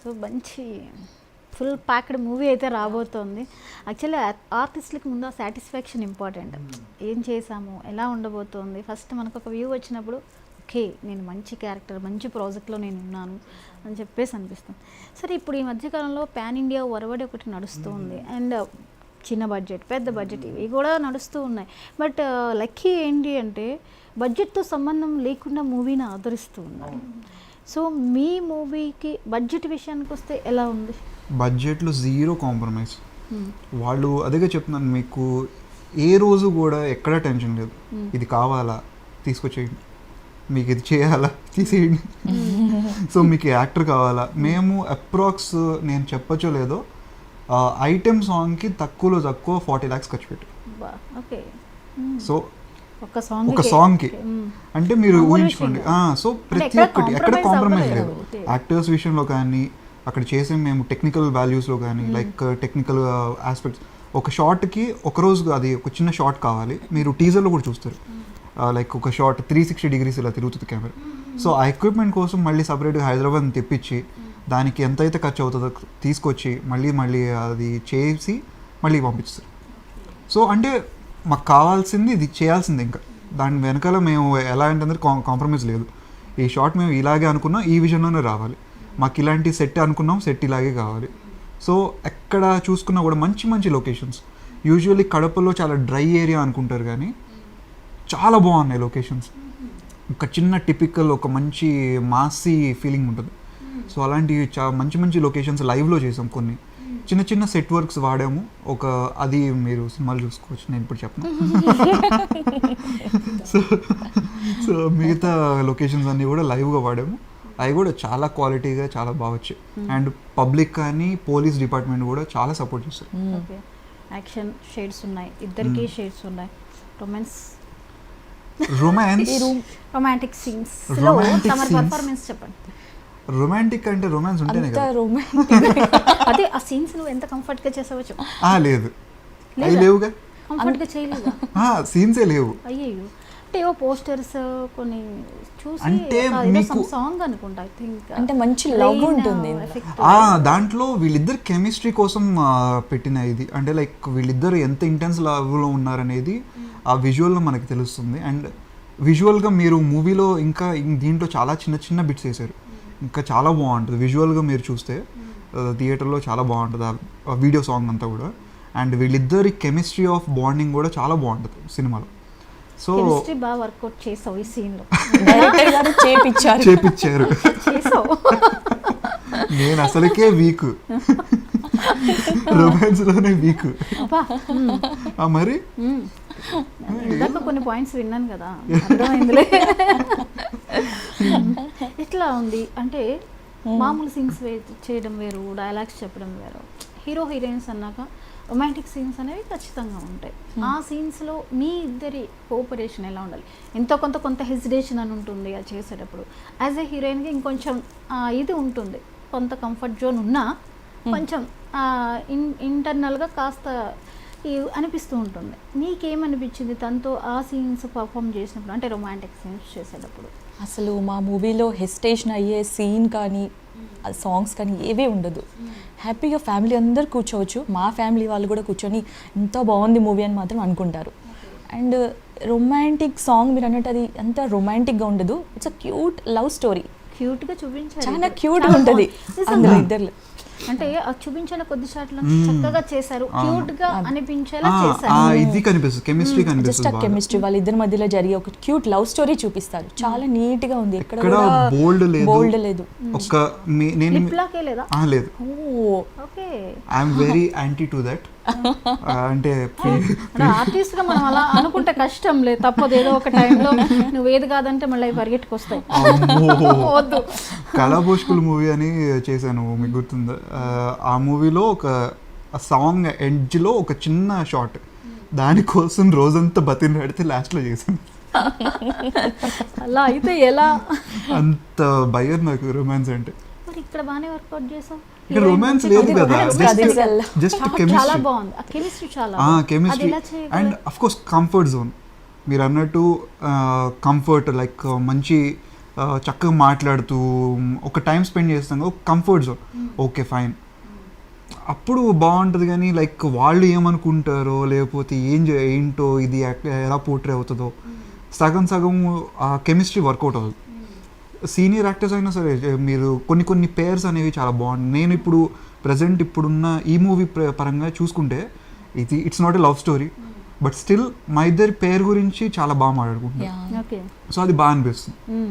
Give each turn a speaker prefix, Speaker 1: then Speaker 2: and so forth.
Speaker 1: So మంచి full packed movie అయితే రాబోతోంది. యాక్చువల్లీ ఆర్టిస్ట్లకి ముందు ఆ సాటిస్ఫాక్షన్ ఇంపార్టెంట్. ఏం చేసాము, ఎలా ఉండబోతోంది, ఫస్ట్ మనకు ఒక వ్యూ వచ్చినప్పుడు ఓకే నేను మంచి క్యారెక్టర్ మంచి ప్రాజెక్ట్లో నేను ఉన్నాను అని చెప్పేసి అనిపిస్తుంది. సరే ఇప్పుడు ఈ మధ్యకాలంలో పాన్ ఇండియా ఒరవడి ఒకటి నడుస్తూ ఉంది. అండ్ చిన్న బడ్జెట్ పెద్ద బడ్జెట్ ఇవి కూడా నడుస్తూ ఉన్నాయి. బట్ లక్కీ ఏంటి అంటే బడ్జెట్తో సంబంధం లేకుండా మూవీని ఆదరిస్తూ ఉన్నారు. సో మీ మూవీకి బడ్జెట్ విషయానికి వస్తే ఎలా ఉంది?
Speaker 2: బడ్జెట్లో జీరో కాంప్రమైజ్. వాళ్ళు అదేగా చెప్తున్నాను మీకు, ఏ రోజు కూడా ఎక్కడ టెన్షన్ లేదు. ఇది కావాలా తీసుకొచ్చేయండి, మీకు ఇది చేయాలా తీసేయండి, సో మీకు యాక్టర్ కావాలా. మేము అప్రాక్స్ నేను చెప్పచ్చో లేదో ఐటెం సాంగ్కి తక్కువలో తక్కువ 40 lakhs ఖర్చు పెట్టాం. సో ఒక సాంగ్కి అంటే మీరు ఊహించుకోండి. సో ప్రతి ఒక్కటి ఎక్కడ కాంప్రమైజ్ లేదు. యాక్టర్స్ విషయంలో కానీ, అక్కడ చేసే మేము టెక్నికల్ వాల్యూస్లో కానీ, లైక్ టెక్నికల్ ఆస్పెక్ట్స్. ఒక షార్ట్కి ఒకరోజు అది ఒక చిన్న షార్ట్ కావాలి, మీరు టీజర్లో కూడా చూస్తారు. లైక్ ఒక షార్ట్ 360 degrees ఇలా తిరుగుతుంది కెమెరా. సో ఆ ఎక్విప్మెంట్ కోసం మళ్ళీ సపరేట్గా హైదరాబాద్ తెప్పించి దానికి ఎంతైతే ఖర్చు అవుతుందో తీసుకొచ్చి మళ్ళీ అది చేసి మళ్ళీ పంపిస్తారు. సో అంటే మాకు కావాల్సింది ఇది చేయాల్సింది. ఇంకా దాని వెనకాల మేము ఎలా అంటే కాంప్రమైజ్ లేదు. ఈ షార్ట్ మేము ఇలాగే అనుకున్నాం, ఈ విజన్లోనే రావాలి. మాకు ఇలాంటి సెట్ అనుకున్నాం, సెట్ ఇలాగే కావాలి. సో ఎక్కడ చూసుకున్నా కూడా మంచి మంచి లొకేషన్స్. యూజువల్లీ కడపలో చాలా డ్రై ఏరియా అనుకుంటారు కానీ చాలా బాగున్నాయి లొకేషన్స్. ఒక చిన్న టిపికల్ ఒక మంచి మాసీ ఫీలింగ్ ఉంటుంది. సో అలాంటి మంచి మంచి లొకేషన్స్ లైవ్లో చేసాం. కొన్ని చిన్న చిన్న సెట్ వర్క్స్ వాడాము. అది మీరు సినిమాలు చూసుకోవచ్చు, నేను ఇప్పుడు చెప్పను. సో మిగతా లొకేషన్స్ అన్నీ కూడా లైవ్గా వాడాము. అవి కూడా చాలా క్వాలిటీగా చాలా బాగా వచ్చాయి. అండ్ పబ్లిక్ కానీ పోలీస్ డిపార్ట్మెంట్ కూడా చాలా సపోర్ట్ చేస్తారు.
Speaker 1: యాక్షన్ షేడ్స్ ఉన్నాయి, ఇద్దరికి షేడ్స్ ఉన్నాయి. రొమాంటిక్ సీన్స్ లో తమ పర్ఫార్మెన్స్ చెప్పండి.
Speaker 2: రొమాంటిక్ అంటే రొమాన్స్ ఉంటేనే కదా.
Speaker 1: అదే ఆ సీన్స్ నువ్వు ఎంత కంఫర్ట్ గా చేసావో చెప్పు.
Speaker 2: లేదు అవి లేవుగా,
Speaker 1: కంఫర్ట్ గా చేయలేదా?
Speaker 2: సీన్సే లేవు.
Speaker 1: అయ్యో, అంటే ఏవో పోస్టర్స్ కొన్ని చూసి
Speaker 2: అంటే మీకు
Speaker 1: సాంగ్ అనుకుంటా ఐ థింక్,
Speaker 3: అంటే మంచి లవ్ ఉంటుంది
Speaker 2: దాంట్లో. వీళ్ళిద్దరు కెమిస్ట్రీ కోసం పెట్టిన ఇది. అంటే లైక్ వీళ్ళిద్దరు ఎంత ఇంటెన్స్ లవ్లో ఉన్నారనేది ఆ విజువల్లో మనకి తెలుస్తుంది. అండ్ విజువల్గా మీరు మూవీలో ఇంకా దీంట్లో చాలా చిన్న చిన్న బిట్స్ వేశారు, ఇంకా చాలా బాగుంటుంది విజువల్గా. మీరు చూస్తే థియేటర్లో చాలా బాగుంటుంది ఆ వీడియో సాంగ్ అంతా కూడా. అండ్ వీళ్ళిద్దరి కెమిస్ట్రీ ఆఫ్ బాండింగ్ కూడా చాలా బాగుంటుంది సినిమాలో. సో
Speaker 1: బాగా వర్కౌట్ చేసావు ఈ సీన్ లో,
Speaker 2: చేపించారు. నేను అసలుకే వీక్, రొమాన్స్ లోనే వీక్. మరి
Speaker 1: ఇందాక కొన్ని పాయింట్స్ విన్నాను కదా, అర్థమైందిలే. ఎట్లా ఉంది అంటే మామూలు సీన్స్ చేయడం వేరు, డైలాగ్స్ చెప్పడం వేరు. హీరో హీరోయిన్స్ అన్నాక రొమాంటిక్ సీన్స్ అనేవి ఖచ్చితంగా ఉంటాయి. ఆ సీన్స్లో మీ ఇద్దరి కోఆపరేషన్ ఎలా ఉండాలి? ఎంతో కొంత హెసిటేషన్ అని ఉంటుంది అది చేసేటప్పుడు. యాజ్ ఏ హీరోయిన్గా ఇంకొంచెం ఇది ఉంటుంది, కొంత కంఫర్ట్ జోన్ ఉన్నా కొంచెం ఇంటర్నల్గా కాస్త అనిపిస్తూ ఉంటుంది. నీకేమనిపించింది తనతో ఆ సీన్స్ పర్ఫామ్ చేసినప్పుడు, అంటే రొమాంటిక్ సీన్స్ చేసేటప్పుడు?
Speaker 3: అసలు మా మూవీలో హెసిటేషన్ అయ్యే సీన్ కానీ సాంగ్స్ కానీ ఏవీ ఉండదు. హ్యాపీగా ఫ్యామిలీ అందరు కూర్చోవచ్చు, మా ఫ్యామిలీ వాళ్ళు కూడా కూర్చొని ఎంత బాగుంది మూవీ అని మాత్రం అనుకుంటారు. అండ్ రొమాంటిక్ సాంగ్ మీరు అన్నట్టు అది అంత రొమాంటిక్గా ఉండదు, it's a cute love story.
Speaker 1: క్యూట్గా చూపించారు,
Speaker 3: చాలా క్యూట్గా ఉంటుంది అందులో ఇద్దరు.
Speaker 1: అంటే చూపించిన కొద్ది షాట్లను చక్కగా చేశారు, క్యూట్ గా అనిపించేలా చేశారు.
Speaker 2: ఇది కనిపిస్తుంది, కెమిస్ట్రీ కనిపిస్తుంది.
Speaker 3: జస్ట్ కెమిస్ట్రీ వాళ్ళ ఇద్దరి మధ్యలో జరిగే ఒక క్యూట్ లవ్ స్టోరీ చూపిస్తారు. చాలా నీట్ గా ఉంది, ఎక్కడ
Speaker 2: బోల్డ్
Speaker 3: లేదు.
Speaker 2: ఒక్క నేను
Speaker 1: లేదా
Speaker 2: లేదు.
Speaker 1: Okay,
Speaker 2: I am very anti to that. అంటే
Speaker 1: ఆర్టిస్ట్ గా మనం అలా అనుకుంటే కష్టం లేదు, తప్పదు. ఏదో ఒక టైంలో నువ్వు ఏది కాదంటే మళ్ళీ పరిగెట్టుకొస్తాయి.
Speaker 2: కళాభోష్కుల్ మూవీ అని చేశాను, మీకు గుర్తుందా? ఆ మూవీలో ఒక సాంగ్ ఎండ్లో ఒక చిన్న షార్ట్, దానికోసం రోజంతా బతిలాడితే లాస్ట్లో చేశాను.
Speaker 1: అలా అయితే ఎలా?
Speaker 2: అంత భయం నాకు రొమాన్స్ అంటే.
Speaker 1: మరి ఇక్కడ బాగానే వర్కౌట్ చేసాం.
Speaker 2: ఇక్కడ రొమాన్స్ లేదు కదా, just
Speaker 1: chemistry.
Speaker 2: Chemistry and of course comfort zone. మీరు అన్నట్టు కంఫర్ట్, లైక్ మంచి చక్కగా మాట్లాడుతూ ఒక టైం స్పెండ్ చేస్తాం, ఒక కంఫర్ట్ జోన్, ఓకే ఫైన్. అప్పుడు బాగుంటుంది. కానీ లైక్ వాళ్ళు ఏమనుకుంటారో లేకపోతే ఏంటో ఇది ఎలా పోర్ట్రే అవుతుందో, సగం సగం ఆ కెమిస్ట్రీ వర్కౌట్ అవుతుంది. సీనియర్ యాక్టర్స్ అయినా సరే మీరు కొన్ని పేర్స్ అనేవి చాలా బాగుంది. నేను ఇప్పుడు ప్రజెంట్ ఇప్పుడున్న ఈ మూవీ పరంగా చూసుకుంటే it's not a love story, but still మా ఇద్దరి పేరు గురించి చాలా బాగా మాట్లాడుకుంటున్నాం.
Speaker 1: ఓకే.
Speaker 2: సో అది బాగా అనిపిస్తుంది.